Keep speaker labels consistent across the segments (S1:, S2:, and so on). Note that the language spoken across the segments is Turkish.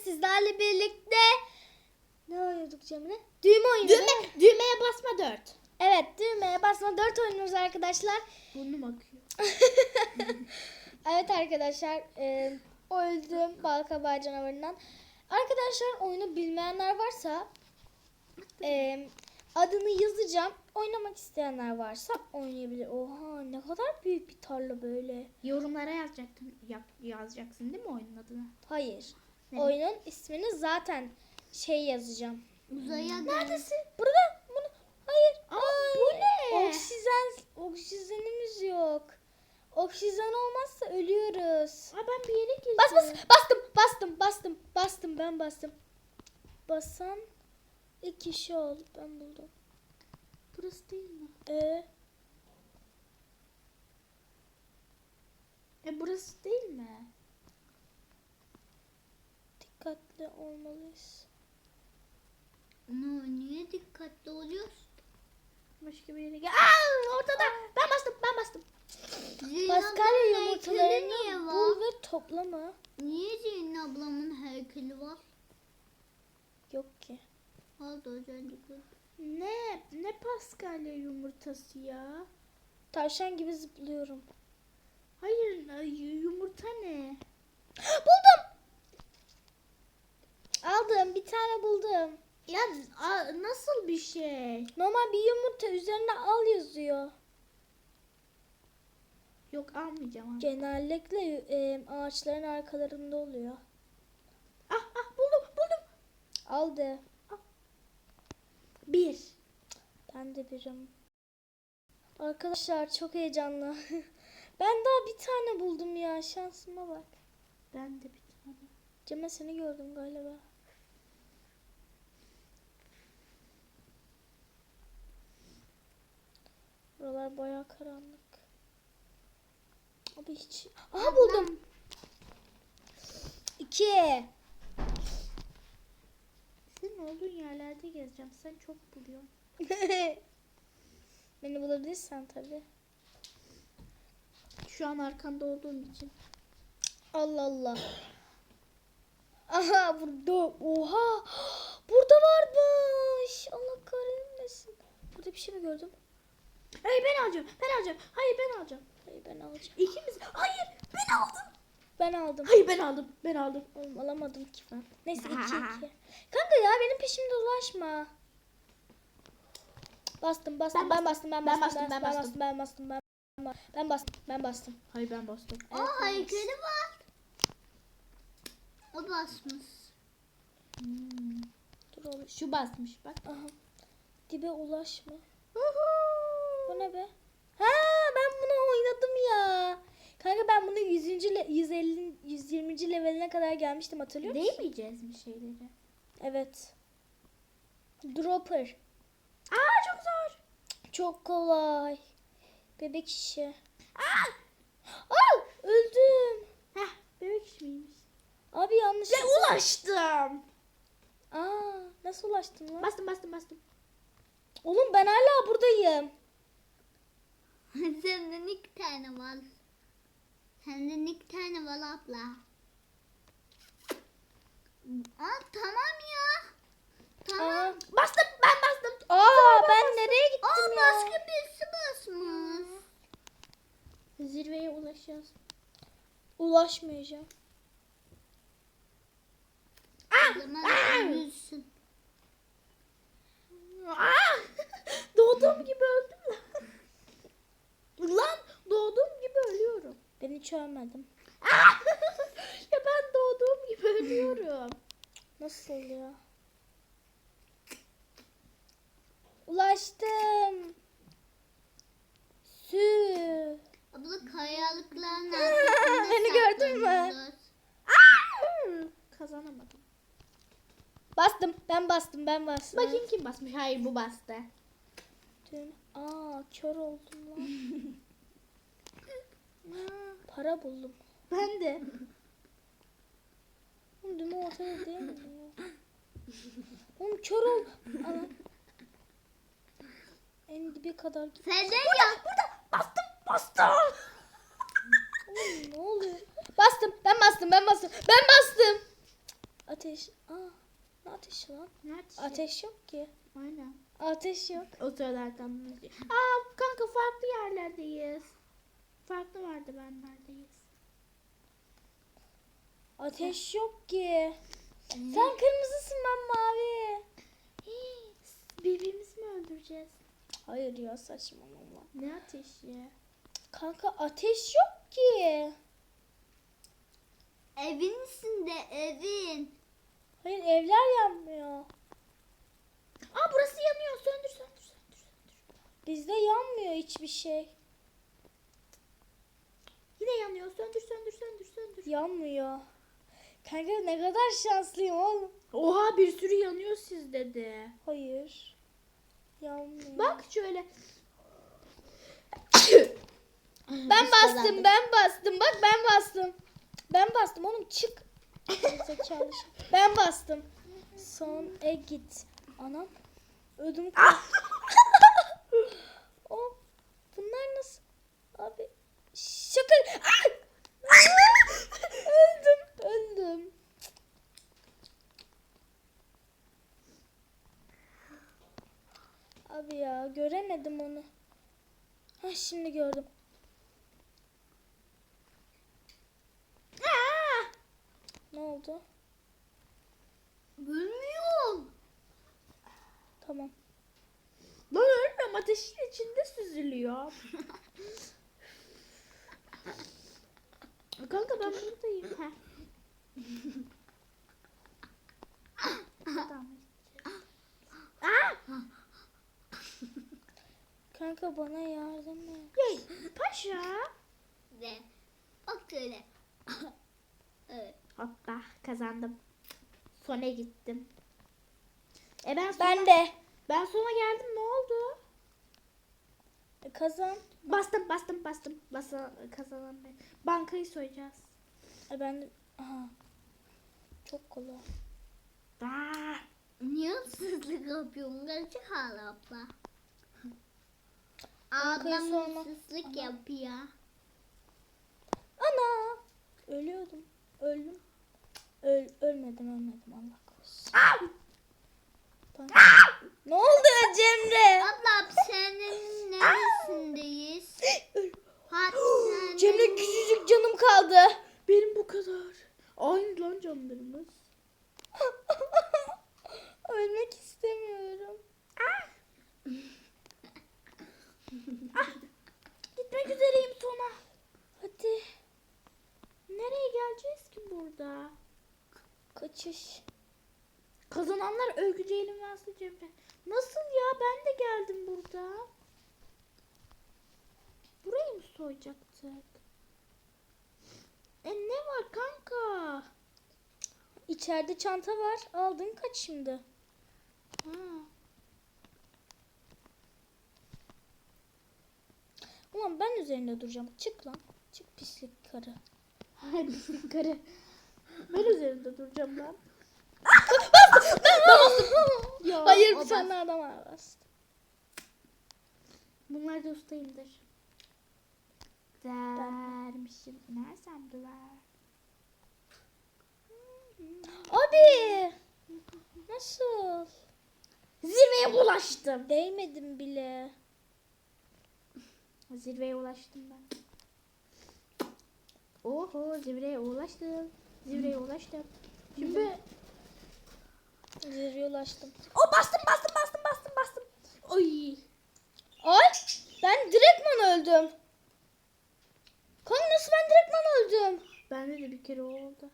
S1: sizlerle birlikte ne oynuyorduk Cemile? Düğme oyunu.
S2: Düğmeye basma 4.
S1: Evet, düğmeye basma 4 oynuyoruz arkadaşlar.
S2: Burnum akıyor.
S1: Evet arkadaşlar, öldüm balkabağı canavarından. Arkadaşlar, oyunu bilmeyenler varsa adını yazacağım. Oynamak isteyenler varsa oynayabilir. Oha, ne kadar büyük bir tarla böyle.
S2: Yorumlara yazacaksın değil mi oyunun adını?
S1: Hayır.
S2: Ne?
S1: Oyunun ismini zaten yazacağım.
S2: Uzaya neredesin?
S1: Burada. Bunu. Hayır.
S2: Bu ne?
S1: Oksijenimiz yok. Oksijen olmazsa ölüyoruz.
S2: Ben bir yere girdim.
S1: Bastım. Ben bastım. Basan ilk kişi oldu. Ben buldum.
S2: Burası değil mi? Burası değil mi?
S1: Dikkatli olmalıyız.
S3: Niye dikkatli oluyoruz?
S2: Başka bir yere gel. Ortada. Ben bastım.
S1: Paskalya
S3: niye
S1: yumurtalarını
S3: var?
S1: bul ve toplama.
S3: Niye Zeynep ablamın heykeli var?
S1: Yok ki.
S3: Vardı az önce gördüm.
S2: Ne Paskalya yumurtası ya?
S1: Tavşan gibi zıplıyorum.
S2: Hayır, yumurta ne?
S1: Buldum. Aldım. Bir tane buldum.
S2: Ya nasıl bir şey?
S1: Normal bir yumurta üzerine al yazıyor.
S2: Yok almayacağım.
S1: Genellikle ağaçların arkalarında oluyor.
S2: Buldum.
S1: Aldı.
S2: 1.
S1: Ben de birim. Arkadaşlar çok heyecanlı. Ben daha bir tane buldum ya. Şansıma bak.
S2: Ben de bir tane.
S1: Cem'e seni gördüm galiba. Buralar bayağı karanlık. Abi hiç... Aha buldum. 2.
S2: Senin olduğun yerlerde gezeceğim. Sen çok buluyorsun.
S1: Beni bulabilirsen tabii.
S2: Şu an arkanda olduğum için.
S1: Allah Allah. Aha burada. Oha. Burada varmış. Allah kahretmesin. Burada bir şey mi gördüm?
S2: Hayır ben alacağım. Hayır ben alacağım.
S1: Hayır ben alacağım.
S2: İkimiz. Hayır ben aldım.
S1: Ben aldım.
S2: Hayır ben aldım.
S1: Oğlum alamadım ki ben. Neyse 2-2. Kanka ya benim peşimde ulaşma. Bastım. Ben bastım.
S2: Hayır ben bastım.
S3: O heykeli var. O basmış.
S1: Dur oğlum.
S2: Şu basmış bak.
S1: Aha. Dibe ulaşma. Bu ne be? Ha ben bunu oynadım ya. Kanka ben bunu 120. leveline kadar gelmiştim, hatırlıyor musun?
S2: Değmeyeceğiz mi şeyleri?
S1: Evet. Dropper.
S2: Çok zor.
S1: Çok kolay. Bebek işi. Öldüm.
S2: Bebek iş miymiş?
S1: Abi yanlış.
S2: Ulaştım.
S1: Nasıl ulaştın lan?
S2: Bastım.
S1: Oğlum ben hala buradayım.
S3: Senden 2 tane var. Senden 2 tane var abla. Tamam ya. Tamam.
S2: Bastım.
S1: Ben nereye gittim ya?
S3: Başka birisi basmış.
S2: Zirveye ulaşacağız.
S1: Ulaşmayacağım.
S3: O zaman ölürsün.
S2: Doğduğum gibi öldüm lan. Doğduğum gibi ölüyorum.
S1: Ben hiç ölmedim.
S2: Ya ben doğduğum gibi ölüyorum.
S1: Nasıl ya? Ulaştım.
S3: Abla kayalıkların arkasında
S1: Beni gördün mü?
S3: saklanıyorlar.
S2: Kazanamadım.
S1: Ben bastım.
S2: Bakayım kim basmış. Hayır bu bastı.
S1: Kör oldum lan. Para buldum.
S2: Ben de.
S1: Oğlum düğme ortada değil mi ya? Oğlum kör ol. Ana. En dibe kadar git.
S3: Senden ya.
S2: Bastım.
S1: Oğlum ne oluyor? Ben bastım. Ateş. Ne ateşi lan?
S2: Ne ateşi?
S1: Ateş yok ki.
S2: Aynen.
S1: Ateş yok.
S2: O sırada arkamdan izliyor. Kanka farklı yerlerdeyiz. Farklı merdivenlerdeyiz.
S1: Ateş yok ki. Sen kırmızısın, ben mavi.
S2: Birbirimizi mi öldüreceğiz?
S1: Hayır ya, saçmalama.
S2: Ne ateşi?
S1: Kanka ateş yok ki.
S3: Evin içinde evin.
S1: Hayır, evler yanmıyor.
S2: Burası yanıyor. Söndür.
S1: Bizde yanmıyor hiçbir şey.
S2: Yine yanıyor. Söndür.
S1: Yanmıyor. Kanka ne kadar şanslıyım oğlum.
S2: Oha, bir sürü yanıyor sizde de.
S1: Hayır. Yanmıyor.
S2: Bak şöyle.
S1: Ben bastım. Bak ben bastım. Ben bastım oğlum, çık. Zekalı şey. Ben bastım. Son git. Anam. Ödüm O. Bunlar nasıl? Abi. Şaka. Öldüm. Abi ya, göremedim onu. Şimdi gördüm. Ne oldu?
S3: Bilmiyorum.
S1: Tamam.
S2: Lan ölmem, ateşin içinde süzülüyor. Kanka ben buradayım. Tamam.
S1: Kanka bana yardım et.
S2: Hey, paşa.
S3: Ve bak öyle. Evet.
S2: Hoppa, kazandım. Sona gittim.
S1: Ben de.
S2: Ben sona geldim, ne oldu?
S1: Kazan.
S2: Bastım. Kazanan ben. Bankayı soyacağız.
S1: Ben de. Aha. Çok kolay.
S3: Niye hırsızlık yapıyorsun? Gerçek hala abla.
S1: Bankayı
S3: Ablam
S1: sorma.
S3: hırsızlık yapıyor.
S1: Ana. Ölüyordum. Öldüm. Ölmedim Allah korusun. Ne oldu Cemre?
S3: Abla hapishanenin neresindeyiz? Hapishanenin...
S1: Cemre, küçücük canım kaldı.
S2: Benim bu kadar. Aynı lan canlarımız.
S1: Ölmek istemiyorum.
S2: Gitmek üzereyim sona.
S1: Hadi.
S2: Nereye geleceğiz ki burada?
S1: Kaçış.
S2: Kazananlar Övgü Ceylin ve Aslı Cemre. Nasıl ya? Ben de geldim burada. Burayı mı soyacaktık? Ne var kanka?
S1: İçeride çanta var. Aldın, kaç şimdi.
S2: Ha.
S1: Ulan ben üzerinde duracağım. Çık lan. Çık pislik karı.
S2: Hayır, pislik karı. Ben üzerinde duracağım lan. Ya,
S1: Hayır,
S2: o
S1: bir tane adam var.
S2: Bunlar da ustayımdır. Vermişim. Nersem duvar.
S1: Abi. Nasıl?
S2: Zirveye ulaştım.
S1: Değmedim bile.
S2: Zirveye ulaştım ben. Oho, zirveye ulaştım. Şimdi
S1: Zirveye ulaştım.
S2: bastım. Oy.
S1: Ay, ben direktman öldüm. Kanka nasıl ben direktman öldüm?
S2: Bende de bir kere oldu.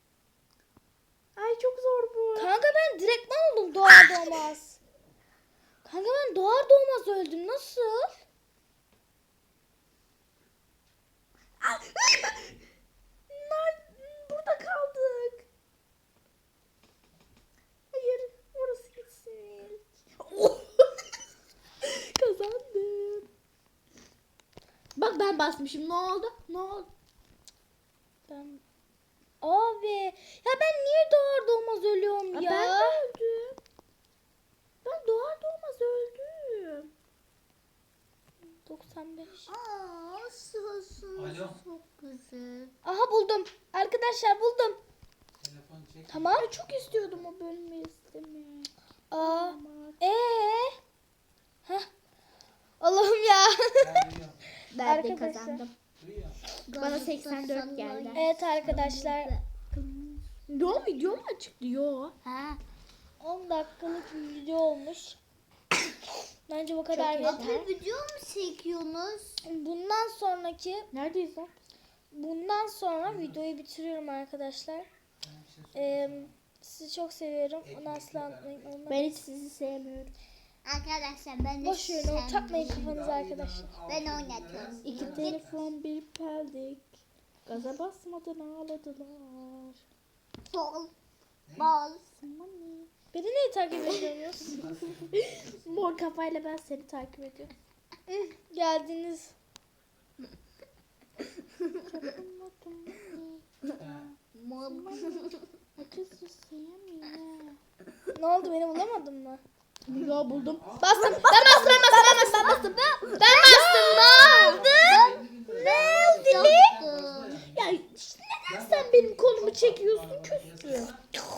S2: Ay çok zor bu.
S1: Kanka ben direktman oldum doğar doğmaz. Kanka ben doğar doğmaz öldüm. Nasıl?
S2: Burada kaldık. Hayır, orası gitsin. Kazandım. Bak ben basmışım. Ne oldu?
S1: Ben... Abi. Ya ben niye doğar doğmaz ölüyorum ya?
S2: Ben de öldüm. Ben doğar doğmaz öldüm.
S1: 95.
S3: Sosun
S4: Alo.
S3: çok güzel.
S1: Aha buldum. Arkadaşlar buldum.
S4: Telefon
S1: Tamam.
S2: Ben çok istiyordum o bölümü izlemeyi.
S1: Aa. Heh. Allah'ım ya.
S2: Ben de
S1: Arkadaşlar.
S2: kazandım. Bana 84 geldi.
S1: Evet arkadaşlar.
S2: Yo, video mu çıktı? Yo.
S3: Ha.
S1: 10 dakikalık bir video olmuş. Bence bu kadar
S2: Çok
S1: yeter.
S3: Bir video mu çekiyorsunuz?
S1: Bundan sonra videoyu bitiriyorum arkadaşlar. Sizi çok seviyorum. Onu asla unutmayın.
S2: Ben hiç sizi sevmiyorum.
S3: Arkadaşlar ben de
S1: Boş verin onu takmayın kafanıza arkadaşlar.
S3: Ben oynatıyorum.
S2: İki telefon bir peldik. Gaza basmadan ağladılar.
S3: Bol. Bol.
S1: Beni niye takip ediyorsunuz?
S2: Mor kafayla ben seni takip ediyorum.
S1: Geldiniz.
S3: Mol.
S2: Acısı sevmiyor.
S1: Ne oldu, beni bulamadın mı?
S2: Yo, buldum.
S1: Bastım. Ben bastım. Ben bastım. Ne oldu?
S2: Ya neden sen benim kolumu çekiyorsun küstü?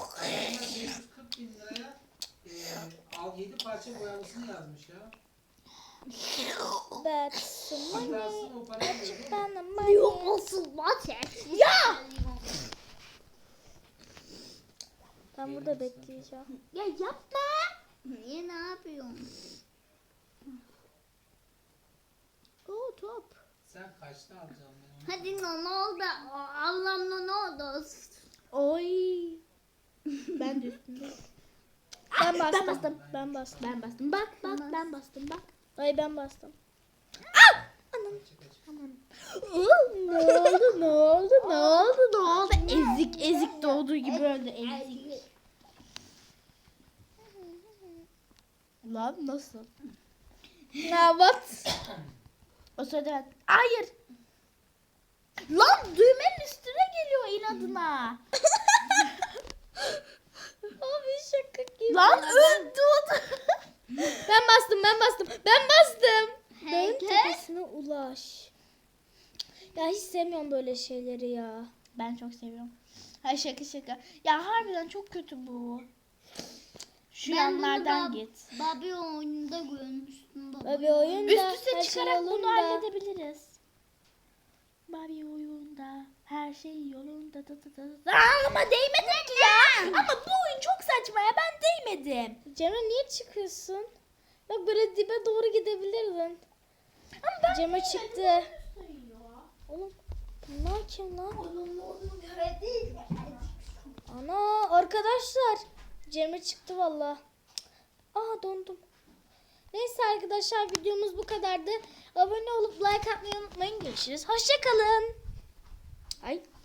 S4: 7 parça boyalısını yazmış ya.
S1: That's money.
S4: Hatasını o parayı veriyor.
S1: Bana money.
S3: Yok olsun maç.
S1: Ben burada bekleyeceğim.
S2: Ya yapma.
S3: Niye, ne yapıyorsun?
S2: Oo, top.
S4: Sen kaçta alacaksın bunu?
S3: Hadi ne oldu? Allah'ım ne oldu?
S2: Oy. Ben de üstünde.
S1: Ben bastım.
S2: bastım.
S1: Ben bastım.
S2: Ben bastım. Bak ben bastım bak.
S1: Ay ben bastım.
S2: Ne oldu? Ezik doğduğu gibi öldü. Ezik. Lan nasıl?
S1: Ya what?
S2: O sırada ben... Hayır. Lan düğmenin üstüne geliyor inadına.
S1: Abi şaka gibi.
S2: Lan öldü o da.
S1: Ben bastım. Dağın
S3: Heykel.
S1: tepesine ulaş. Ya hiç sevmiyorum böyle şeyleri ya.
S2: Ben çok seviyorum. Hay şaka. Ya harbiden çok kötü bu. Şu
S3: Ben bunu
S2: yanlardan
S3: da-
S2: git.
S3: Barbie oyununda görmüştüm.
S1: Abi oyunda
S2: Üst üste
S1: her şey
S2: çıkarak bunu
S1: yolunda.
S2: halledebiliriz. Barbie oyunda her şey yolunda. Ama değmedin ki ya. Ama bu oyun çok saçma ya, ben değmedim.
S1: Cemre niye çıkıyorsun? Bak böyle dibe doğru gidebilirdin. Cemre çıktı. Oğlum bunlar kim lan? Ana arkadaşlar. Cemre çıktı valla. Aa dondum. Neyse arkadaşlar videomuz bu kadardı. Abone olup like atmayı unutmayın. Görüşürüz. Hoşçakalın. Ay.